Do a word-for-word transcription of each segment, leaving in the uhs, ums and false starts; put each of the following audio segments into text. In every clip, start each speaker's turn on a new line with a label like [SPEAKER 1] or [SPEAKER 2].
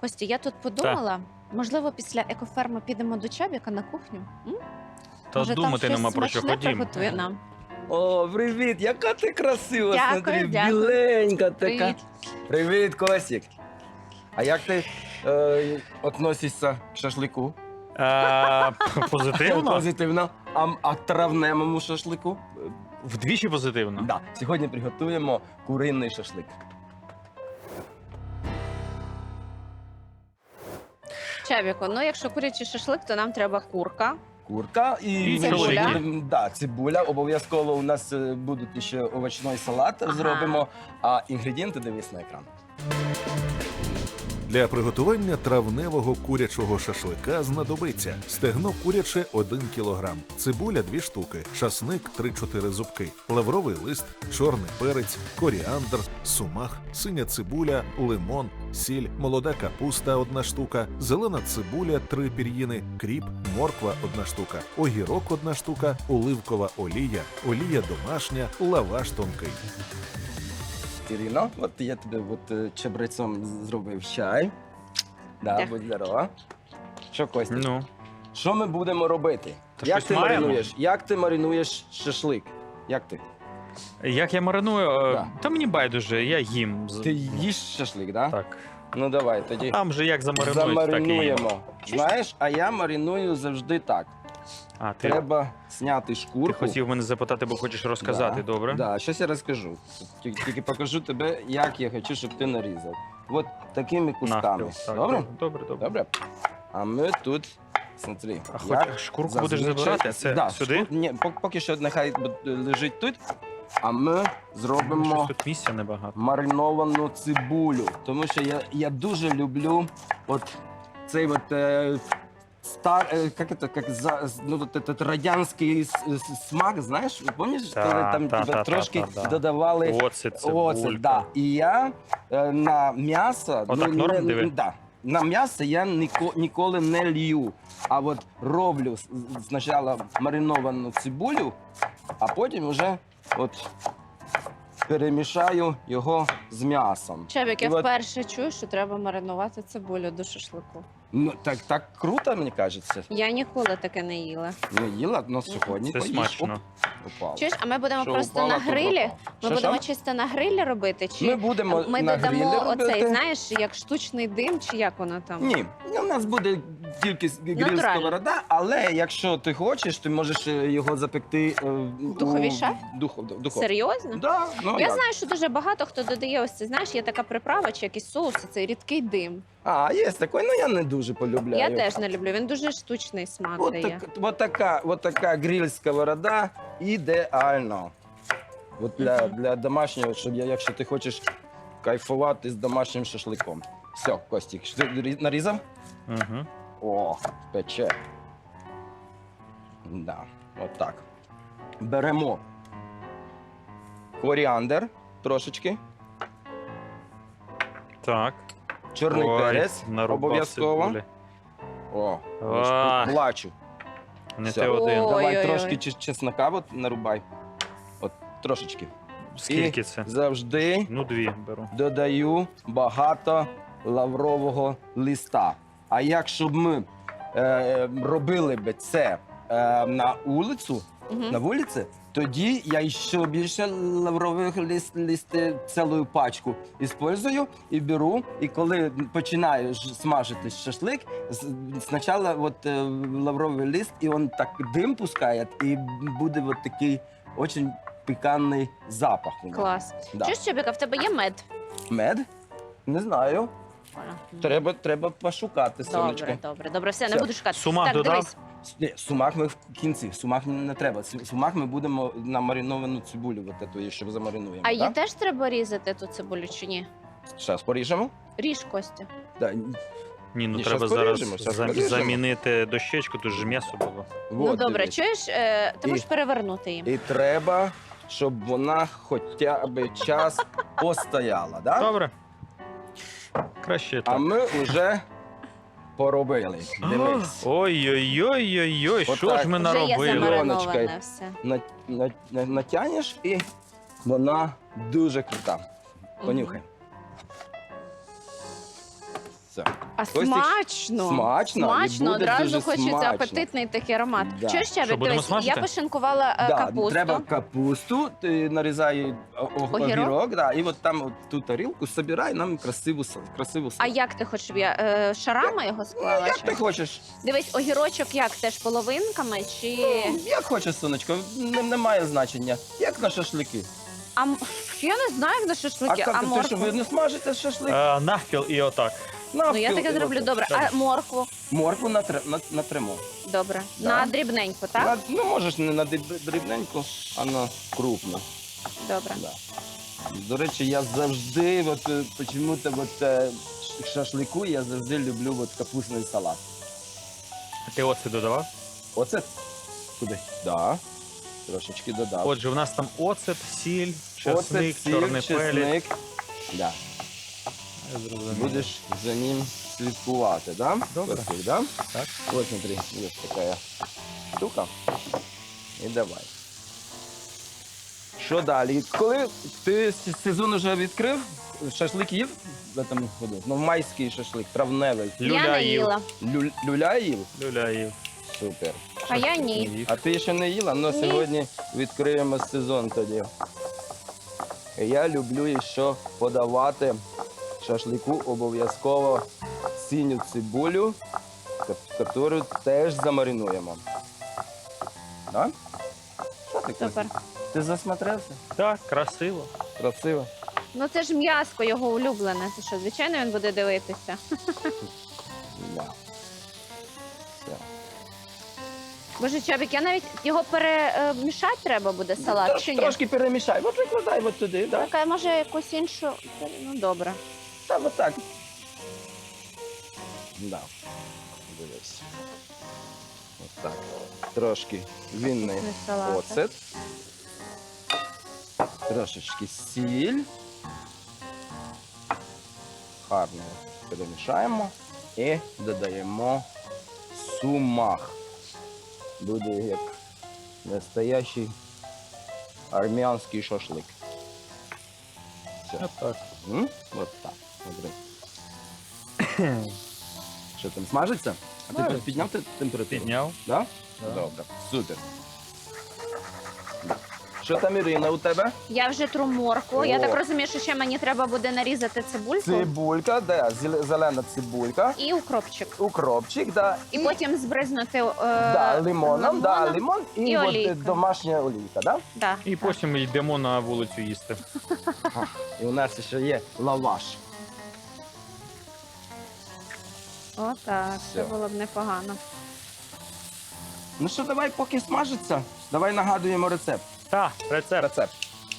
[SPEAKER 1] Костя, я тут подумала, можливо, після екоферми підемо до Чабіка на кухню? М?
[SPEAKER 2] Та
[SPEAKER 1] Може, там
[SPEAKER 2] думати
[SPEAKER 1] щось
[SPEAKER 2] нема про що,
[SPEAKER 1] смачне
[SPEAKER 2] ходім.
[SPEAKER 1] приготує нам.
[SPEAKER 3] О, привіт! Яка ти красива,
[SPEAKER 1] Дякую,
[SPEAKER 3] смотри,
[SPEAKER 1] дякую.
[SPEAKER 3] біленька така.
[SPEAKER 1] Привіт.
[SPEAKER 3] Привіт, Косік. А як ти е, относишся к шашлику?
[SPEAKER 2] Е, Позитивно?
[SPEAKER 3] Позитивно. А, а травневому шашлику?
[SPEAKER 2] Вдвічі позитивно.
[SPEAKER 3] Да. Сьогодні приготуємо куриний шашлик.
[SPEAKER 1] Чабіку, ну якщо курячий шашлик, то нам треба курка.
[SPEAKER 3] Курка і
[SPEAKER 2] І
[SPEAKER 1] цибуля.
[SPEAKER 3] будемо- да, цибуля. Обов'язково у нас е, будуть ще овочний салат
[SPEAKER 1] Ага.
[SPEAKER 3] зробимо, а інгредієнти дивись на екран.
[SPEAKER 4] Для приготування травневого курячого шашлика знадобиться стегно куряче один кілограм, цибуля дві штуки, часник три-чотири зубки, лавровий лист, чорний перець, коріандр, сумах, синя цибуля, лимон, сіль, молода капуста одна штука, зелена цибуля три пір'їни, кріп, морква одна штука, огірок одна штука, оливкова олія, олія домашня, лаваш тонкий.
[SPEAKER 3] Ірино, от я тобі от, е, чебрецом зробив чай. Да,
[SPEAKER 1] Дякую.
[SPEAKER 3] будь здорова. Що, Костя?
[SPEAKER 2] Ну,
[SPEAKER 3] Що ми будемо робити?
[SPEAKER 2] Та
[SPEAKER 3] Як
[SPEAKER 2] щось
[SPEAKER 3] ти
[SPEAKER 2] маємо.
[SPEAKER 3] маринуєш? Як ти маринуєш шашлик? Як ти?
[SPEAKER 2] як я мариную, е,
[SPEAKER 3] Да.
[SPEAKER 2] та мені байдуже, я їм. з-
[SPEAKER 3] Ти їш шашлик, да?
[SPEAKER 2] Так.
[SPEAKER 3] Ну давай, тоді
[SPEAKER 2] Там же як замаринують, так і їм.
[SPEAKER 3] замаринуємо. Знаєш, а я мариную завжди так.
[SPEAKER 2] А, ти,
[SPEAKER 3] Треба зняти шкурку.
[SPEAKER 2] ти хотів мене запитати, бо хочеш розказати,
[SPEAKER 3] Да,
[SPEAKER 2] добре?
[SPEAKER 3] Да, щось я розкажу. Тільки, тільки покажу тебе, як я хочу, щоб ти нарізав. От такими кусками.
[SPEAKER 2] Навпіл. Так,
[SPEAKER 3] Добре?
[SPEAKER 2] Добре, добре.
[SPEAKER 3] Добре. А ми тут, смотри,
[SPEAKER 2] А
[SPEAKER 3] як
[SPEAKER 2] хоч шкурку
[SPEAKER 3] зазвичай-
[SPEAKER 2] будеш забирати, а це
[SPEAKER 3] да,
[SPEAKER 2] сюди?
[SPEAKER 3] шкур- Ні, пок- поки що нехай бу- лежить тут, а ми
[SPEAKER 2] Щось
[SPEAKER 3] зробимо
[SPEAKER 2] тут місця небагато.
[SPEAKER 3] мариновану цибулю. Тому що я, я дуже люблю от цей от е, стар, е, як це, як за, ну, от, этот радянський с- с- смак, знаєш, пам'ятаєш,
[SPEAKER 2] Та,
[SPEAKER 3] коли там
[SPEAKER 2] та,
[SPEAKER 3] тебе
[SPEAKER 2] та,
[SPEAKER 3] трошки
[SPEAKER 2] та, та, да.
[SPEAKER 3] додавали
[SPEAKER 2] Оце
[SPEAKER 3] оце,
[SPEAKER 2] цибулька.
[SPEAKER 3] да. І я е, на м'ясо,
[SPEAKER 2] Отак норм,
[SPEAKER 3] не,
[SPEAKER 2] диви?
[SPEAKER 3] да, на м'ясо я ніко, ніколи не лью, а от роблю с- спочатку мариновану цибулю, а потім вже от перемішаю його з м'ясом.
[SPEAKER 1] Чабік, я
[SPEAKER 3] І от-
[SPEAKER 1] вперше чую, що треба маринувати цибулю до шашлику.
[SPEAKER 3] Ну, так, так круто, мені кажеться.
[SPEAKER 1] Я ніколи таке не їла.
[SPEAKER 3] Ну, їла, але сьогодні
[SPEAKER 2] Це
[SPEAKER 3] поїш.
[SPEAKER 2] смачно.
[SPEAKER 3] Оп, упало.
[SPEAKER 1] Чуєш, а ми будемо
[SPEAKER 3] Що
[SPEAKER 1] просто
[SPEAKER 3] упало,
[SPEAKER 1] на
[SPEAKER 3] то
[SPEAKER 1] грилі?
[SPEAKER 3] пропало.
[SPEAKER 1] Ми
[SPEAKER 3] Що,
[SPEAKER 1] будемо
[SPEAKER 3] що?
[SPEAKER 1] чисто на грилі робити? Чи
[SPEAKER 3] Ми будемо
[SPEAKER 1] ми
[SPEAKER 3] на
[SPEAKER 1] додамо
[SPEAKER 3] грилі
[SPEAKER 1] оцей,
[SPEAKER 3] робити.
[SPEAKER 1] знаєш, як штучний дим, чи як воно там?
[SPEAKER 3] Ні, у нас буде тільки с- гриль
[SPEAKER 1] Натурально.
[SPEAKER 3] сковорода, але якщо ти хочеш, ти можеш е, його запекти е, в
[SPEAKER 1] духовій
[SPEAKER 3] у-
[SPEAKER 1] шафі?
[SPEAKER 3] Духов, духов.
[SPEAKER 1] Серйозно?
[SPEAKER 3] Да, ну,
[SPEAKER 1] Я
[SPEAKER 3] як?
[SPEAKER 1] знаю, що дуже багато хто додає ось це, знаєш, є така приправа чи якийсь соус, і цей рідкий дим.
[SPEAKER 3] А, є такий, ну я не дуже полюбляю.
[SPEAKER 1] Я теж не люблю, він дуже штучний смак
[SPEAKER 3] От,
[SPEAKER 1] дає.
[SPEAKER 3] так, от, така, от така гриль сковорода ідеально. От для,
[SPEAKER 1] Мгм.
[SPEAKER 3] для домашнього, щоб я, якщо ти хочеш кайфувати з домашнім шашликом. Все, Костік, що ти рі- нарізав?
[SPEAKER 2] Угу.
[SPEAKER 3] О, пече. Да, от так. Беремо коріандр трошечки,
[SPEAKER 2] Так.
[SPEAKER 3] чорний
[SPEAKER 2] Ой,
[SPEAKER 3] перець
[SPEAKER 2] нарубав
[SPEAKER 3] обов'язково.
[SPEAKER 2] цибулі.
[SPEAKER 3] О,
[SPEAKER 2] А.
[SPEAKER 3] плачу.
[SPEAKER 2] Не
[SPEAKER 3] Все.
[SPEAKER 2] ти один.
[SPEAKER 1] О.
[SPEAKER 3] Давай
[SPEAKER 1] Ой-ой-ой.
[SPEAKER 3] трошки чес- чеснока от нарубай. От трошечки.
[SPEAKER 2] Скільки
[SPEAKER 3] І
[SPEAKER 2] це?
[SPEAKER 3] завжди
[SPEAKER 2] Ну, дві беру.
[SPEAKER 3] додаю багато лаврового листа. А якщо б ми е, робили б це е, на вулицю,
[SPEAKER 1] Мгм.
[SPEAKER 3] на вулиці, тоді я ще більше лаврових лист, листи, цілу пачку іспользую і беру. І коли починаю ж смажити шашлик, з- спочатку от, е, лавровий лист, і він так дим пускає, і буде от такий дуже пікантний запах. у нього.
[SPEAKER 1] Клас.
[SPEAKER 3] Да.
[SPEAKER 1] Чуєш, Чабіка, в тебе є мед?
[SPEAKER 3] Мед? Не знаю.
[SPEAKER 1] Мгм.
[SPEAKER 3] Треба, треба пошукати, сонечко.
[SPEAKER 1] Добре, добре, добре, все, не
[SPEAKER 3] Все.
[SPEAKER 1] буду шукати.
[SPEAKER 2] Сумах
[SPEAKER 1] так,
[SPEAKER 2] додав?
[SPEAKER 1] дивись.
[SPEAKER 3] Ні, сумак ми в кінці. Сумак не треба. Су- Сумак ми будемо на мариновану цибулю, от ету, щоб замаринуємо.
[SPEAKER 1] А її
[SPEAKER 3] так?
[SPEAKER 1] теж треба різати ту цибулю чи ні?
[SPEAKER 3] Зараз поріжемо.
[SPEAKER 1] Ріж, Костя.
[SPEAKER 3] Да.
[SPEAKER 2] Ні, ну
[SPEAKER 3] Ні,
[SPEAKER 2] треба
[SPEAKER 3] щас
[SPEAKER 2] зараз
[SPEAKER 3] поріжемо, щас
[SPEAKER 2] зам-
[SPEAKER 3] поріжемо.
[SPEAKER 2] замінити дощечку, тут же м'ясо було.
[SPEAKER 1] ну
[SPEAKER 3] Вот,
[SPEAKER 1] добре,
[SPEAKER 3] дивись.
[SPEAKER 1] чуєш, е, ти
[SPEAKER 3] І-
[SPEAKER 1] можеш перевернути її.
[SPEAKER 3] І треба, щоб вона хоча б час постояла, да?
[SPEAKER 2] Добре. Краще
[SPEAKER 3] А
[SPEAKER 2] так.
[SPEAKER 3] ми вже поробили. Дивись.
[SPEAKER 2] Ой-ой-ой-ой-ой, що
[SPEAKER 3] Отак.
[SPEAKER 2] ж ми
[SPEAKER 3] Вже
[SPEAKER 1] Вже є
[SPEAKER 2] наробили?
[SPEAKER 3] замариновано.
[SPEAKER 1] замариноване все.
[SPEAKER 3] На, на, на, натягнеш і вона дуже крута. Понюхай. Все.
[SPEAKER 1] А
[SPEAKER 3] Костік,
[SPEAKER 1] смачно.
[SPEAKER 3] смачно, і
[SPEAKER 1] Смачно,
[SPEAKER 3] буде
[SPEAKER 1] одразу
[SPEAKER 3] дуже
[SPEAKER 1] хочеться
[SPEAKER 3] смачно.
[SPEAKER 1] апетитний такий аромат.
[SPEAKER 3] Да.
[SPEAKER 1] Що ще?
[SPEAKER 2] Що, будемо
[SPEAKER 1] Дивись, я
[SPEAKER 2] смажити?
[SPEAKER 1] пошинкувала е,
[SPEAKER 3] Да,
[SPEAKER 1] капусту.
[SPEAKER 3] треба капусту, ти нарізай о- о-
[SPEAKER 1] Огірок?
[SPEAKER 3] огірок, да, і от там от ту тарілку собирай нам красиву, сал- красиву
[SPEAKER 1] А
[SPEAKER 3] салат.
[SPEAKER 1] як ти хочеш, щоб я е, шарами його
[SPEAKER 3] Ну,
[SPEAKER 1] склала?
[SPEAKER 3] як
[SPEAKER 1] чи?
[SPEAKER 3] ти хочеш.
[SPEAKER 1] Дивись, огірочок як теж половинками чи.
[SPEAKER 3] Ну, як хочеш, сонечко, не, немає значення. Як на шашлики.
[SPEAKER 1] А м- я не знаю, як на
[SPEAKER 3] А,
[SPEAKER 1] шашлики,
[SPEAKER 3] як
[SPEAKER 1] а,
[SPEAKER 3] ти що,
[SPEAKER 1] моркву.
[SPEAKER 3] ви не смажите шашлик?
[SPEAKER 2] Е, навпіл і отак.
[SPEAKER 1] Ну я таке зроблю добре. А моркву?
[SPEAKER 3] Моркву натр... нат- натримо.
[SPEAKER 1] Добре.
[SPEAKER 3] Да.
[SPEAKER 1] На дрібненько, так?
[SPEAKER 3] На- ну, можеш не на дріб- дрібненьку, а на крупну.
[SPEAKER 1] Добре.
[SPEAKER 3] Да. До речі, я завжди, от, е, почему-то от, е, ш- шашлику я завжди люблю от, капустний салат.
[SPEAKER 2] А ти оцет додавав?
[SPEAKER 3] Оце туди. Да. Трошечки додав.
[SPEAKER 2] Отже, у нас там оцет, сіль, чесник,
[SPEAKER 3] Оцет, сіль,
[SPEAKER 2] чорний
[SPEAKER 3] чесник.
[SPEAKER 2] перець.
[SPEAKER 3] Да.
[SPEAKER 2] Я зрозумів.
[SPEAKER 3] Будеш за ним слідкувати, да?
[SPEAKER 2] Добре.
[SPEAKER 3] Костик, да?
[SPEAKER 2] Так.
[SPEAKER 3] Вот смотри, есть такая штука. І давай. Що далі? Коли ти с- сезон вже відкрив, шашлик їв в цьому году? Ну, майський шашлик, травневий.
[SPEAKER 1] Я
[SPEAKER 2] Люля
[SPEAKER 1] не
[SPEAKER 2] їв.
[SPEAKER 1] їла.
[SPEAKER 3] Лю, люля їв?
[SPEAKER 2] Люля їв.
[SPEAKER 3] Супер.
[SPEAKER 1] А я ні.
[SPEAKER 2] Їв.
[SPEAKER 3] А ти ще не їла? Ну,
[SPEAKER 1] Ні.
[SPEAKER 3] сьогодні відкриємо сезон тоді. Я люблю ще подавати шашлику обов'язково синю цибулю, яку теж замаринуємо. Да? Що ти,
[SPEAKER 1] Супер.
[SPEAKER 3] Костя? Ти засмотревся?
[SPEAKER 2] Так, красиво.
[SPEAKER 3] Красиво.
[SPEAKER 1] Ну це ж м'яско його улюблене. Це що, звичайно, він буде дивитися.
[SPEAKER 3] Да. Все.
[SPEAKER 1] Боже, Чабік, я навіть його перемішати треба буде салат,
[SPEAKER 3] Трош-
[SPEAKER 1] чи ні?
[SPEAKER 3] Трошки перемішай. От викладай от туди, да?
[SPEAKER 1] Така, може, якусь іншу. Ну, добре.
[SPEAKER 3] Та от так. Да. Дивись. От так. Трошки вінний
[SPEAKER 1] Не салат.
[SPEAKER 3] оцет. Трошечки сіль. Гарно перемішаємо і додаємо сумах. Буде як настоящий армянський шашлик. Все.
[SPEAKER 2] Отак.
[SPEAKER 3] М? Вот так. Смотри. Що там, смажиться? А ти
[SPEAKER 2] Смажиться.
[SPEAKER 3] підняв те- температуру?
[SPEAKER 2] Підняв.
[SPEAKER 3] Да?
[SPEAKER 2] Да.
[SPEAKER 3] Добре. Супер. Що там, Ірина, у тебе?
[SPEAKER 1] Я вже тру моркву. Я
[SPEAKER 3] О.
[SPEAKER 1] так розумію, що ще мені треба буде нарізати цибульку
[SPEAKER 3] Цибулька, да, зеле- зелена цибулька.
[SPEAKER 1] і укропчик.
[SPEAKER 3] Укропчик, да.
[SPEAKER 1] І потім збризнути е,
[SPEAKER 3] да, лимоном, да,
[SPEAKER 1] лимоном.
[SPEAKER 3] лимон і,
[SPEAKER 1] і
[SPEAKER 3] от,
[SPEAKER 1] олійка.
[SPEAKER 3] е, домашня олійка, да?
[SPEAKER 1] Да,
[SPEAKER 2] І
[SPEAKER 1] так.
[SPEAKER 2] потім йдемо на вулицю їсти.
[SPEAKER 3] І у нас ще є лаваш.
[SPEAKER 1] Отак, це
[SPEAKER 3] Все.
[SPEAKER 1] було б непогано.
[SPEAKER 3] Ну що, давай, поки смажиться, давай нагадуємо рецепт.
[SPEAKER 2] Так, рецепт.
[SPEAKER 3] Рецепт.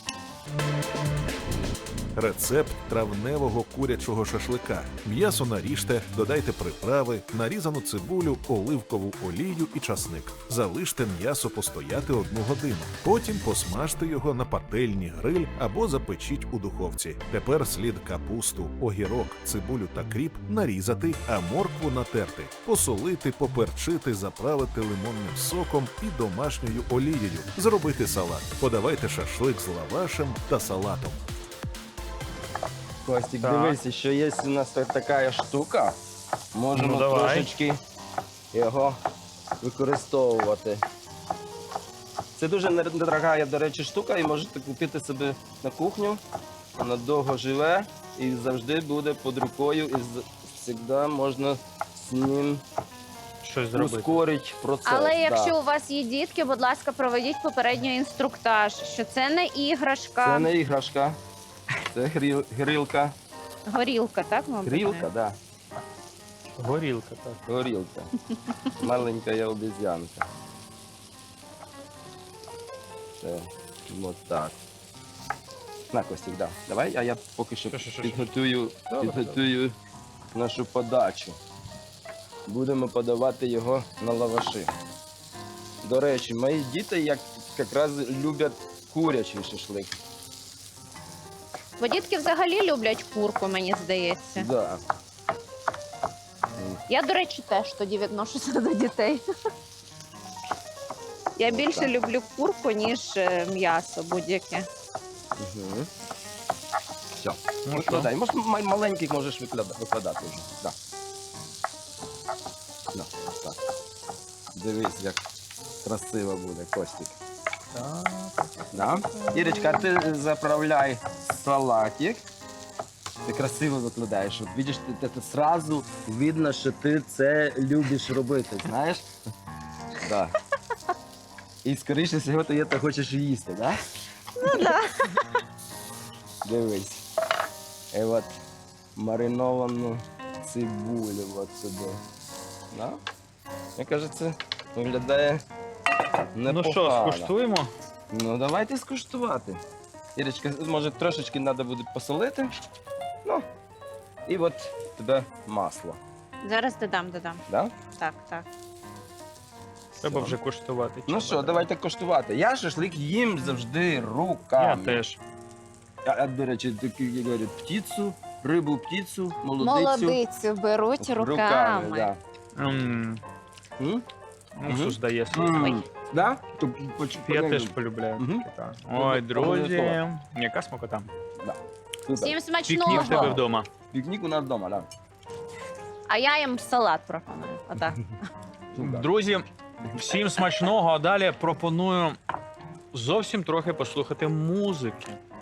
[SPEAKER 4] Рецепт травневого курячого шашлика. М'ясо наріжте, додайте приправи, нарізану цибулю, оливкову олію і часник. Залиште м'ясо постояти одну годину. Потім посмажте його на пательні гриль або запечіть у духовці. Тепер слід капусту, огірок, цибулю та кріп нарізати, а моркву натерти, посолити, поперчити, заправити лимонним соком і домашньою олією. Зробити салат. Подавайте шашлик з лавашем та салатом.
[SPEAKER 3] Костік,
[SPEAKER 2] Так.
[SPEAKER 3] дивися, що є у нас так- така штука. Можемо
[SPEAKER 2] Ну, давай.
[SPEAKER 3] трошечки його використовувати. Це дуже не- недорога, до речі, штука, і можете купити собі на кухню. Вона довго живе і завжди буде під рукою, і завжди можна з ним
[SPEAKER 2] Щось зробити.
[SPEAKER 3] ускорити процес.
[SPEAKER 1] Але
[SPEAKER 3] да.
[SPEAKER 1] якщо у вас є дітки, будь ласка, проведіть попередньо інструктаж, що це не іграшка,
[SPEAKER 3] Це не іграшка, це гріл, грілка.
[SPEAKER 1] горілка, так, мабуть?
[SPEAKER 3] Грілка, так. Да.
[SPEAKER 2] Горілка, так.
[SPEAKER 3] Горілка. Маленька я обезьянка. Все, от так. На, Костік, да. Давай, а я поки що
[SPEAKER 2] Що, що, що,
[SPEAKER 3] підготую,
[SPEAKER 2] Добре,
[SPEAKER 3] підготую нашу подачу. Будемо подавати його на лаваші. До речі, мої діти як, якраз люблять курячий шашлик.
[SPEAKER 1] Бо дітки взагалі люблять курку, мені здається.
[SPEAKER 3] Да.
[SPEAKER 1] Я, до речі, теж тоді відношуся до дітей. Я більше
[SPEAKER 3] Так.
[SPEAKER 1] люблю курку, ніж е, м'ясо будь-яке.
[SPEAKER 3] Угу. Все.
[SPEAKER 2] Ну що?
[SPEAKER 3] Викладай. Може, ма- маленький можеш викладати, викладати вже. Да. Да, так. Дивись, як красиво буде, Костік. Да? Ірочка, а ти заправляй салатик. Ти красиво викладаєш. От бачиш, ти, ти, сразу видно, що ти це любиш робити, знаєш? Да. І скоріше всього ти це хочеш їсти, да?
[SPEAKER 1] Ну да.
[SPEAKER 3] Дивись. І от мариновану цибулю от сюди. Да? Мені кажеться, виглядає
[SPEAKER 2] Ну
[SPEAKER 3] непогано.
[SPEAKER 2] що, скуштуємо?
[SPEAKER 3] Ну, давайте скуштувати. Ірочка, може трошечки треба буде посолити. Ну, і от тебе масло.
[SPEAKER 1] Зараз додам, додам.
[SPEAKER 3] Да?
[SPEAKER 1] Так, так.
[SPEAKER 2] Треба
[SPEAKER 3] Все.
[SPEAKER 2] вже куштувати.
[SPEAKER 3] Ну що, давайте коштувати. Я шашлик їм завжди
[SPEAKER 2] Я
[SPEAKER 3] руками.
[SPEAKER 2] теж.
[SPEAKER 3] А, а, до речі, такі як говорять, птицю, рибу, птицю, молодицю.
[SPEAKER 1] Молодицю беруть руками.
[SPEAKER 3] да.
[SPEAKER 2] М,
[SPEAKER 3] М?
[SPEAKER 2] Уксус дає свій.
[SPEAKER 3] М.
[SPEAKER 1] Ой.
[SPEAKER 3] Да? То поч-
[SPEAKER 2] Я
[SPEAKER 3] подай.
[SPEAKER 2] теж полюбляю.
[SPEAKER 3] Мгм.
[SPEAKER 2] таке, так. Ой, друзі,
[SPEAKER 3] Обов'язково.
[SPEAKER 2] яка смакота.
[SPEAKER 3] Да. Супер.
[SPEAKER 1] Всім
[SPEAKER 2] Пікнік в тебе
[SPEAKER 1] смачного.
[SPEAKER 2] вдома.
[SPEAKER 3] Пікнік у нас вдома, да.
[SPEAKER 1] А я їм салат пропоную. Отак.
[SPEAKER 3] Супер.
[SPEAKER 2] Друзі, всім смачного, а далі пропоную зовсім трохи послухати музики.